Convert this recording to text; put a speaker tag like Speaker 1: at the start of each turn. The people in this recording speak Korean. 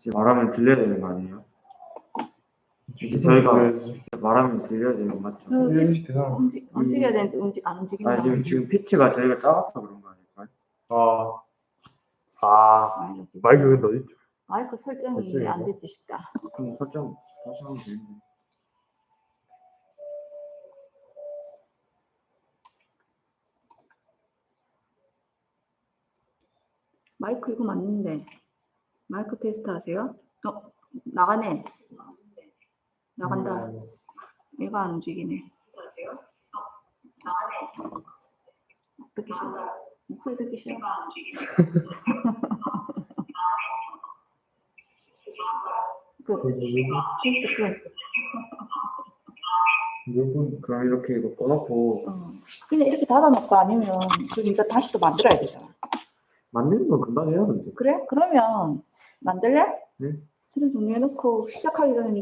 Speaker 1: 이제 말하면 들려야 되는 거 아니에요? 이제 저희가 말하면 들려야 되는 거 맞죠?
Speaker 2: 움직여야 되는데 안 움직인다.
Speaker 1: 아니 지금 피치가 저희가 작아서 그런 거 아닐까요?
Speaker 3: 마이크 근데 어딨죠?
Speaker 2: 마이크 설정이 안 됐지 싶다.
Speaker 1: 그럼 설정 다시 하면 되는데.
Speaker 2: 마이크 이거 맞는데. 마이크 테스트 하세요? 나가네. 나간다. 얘가 안 움직이네. 듣기 싫어. 목소리 듣기 싫어.
Speaker 1: 그럼 이렇게 이거 꺼놓고
Speaker 2: 그냥 이렇게 닫아놓고 아니면 그럼 이거 다시 또 만들어야 되잖아.
Speaker 1: 만드는 건 금방 해요 근데.
Speaker 2: 그래? 그러면 만들래?
Speaker 1: 네.
Speaker 2: 스트림 종료해놓고 시작하기 전에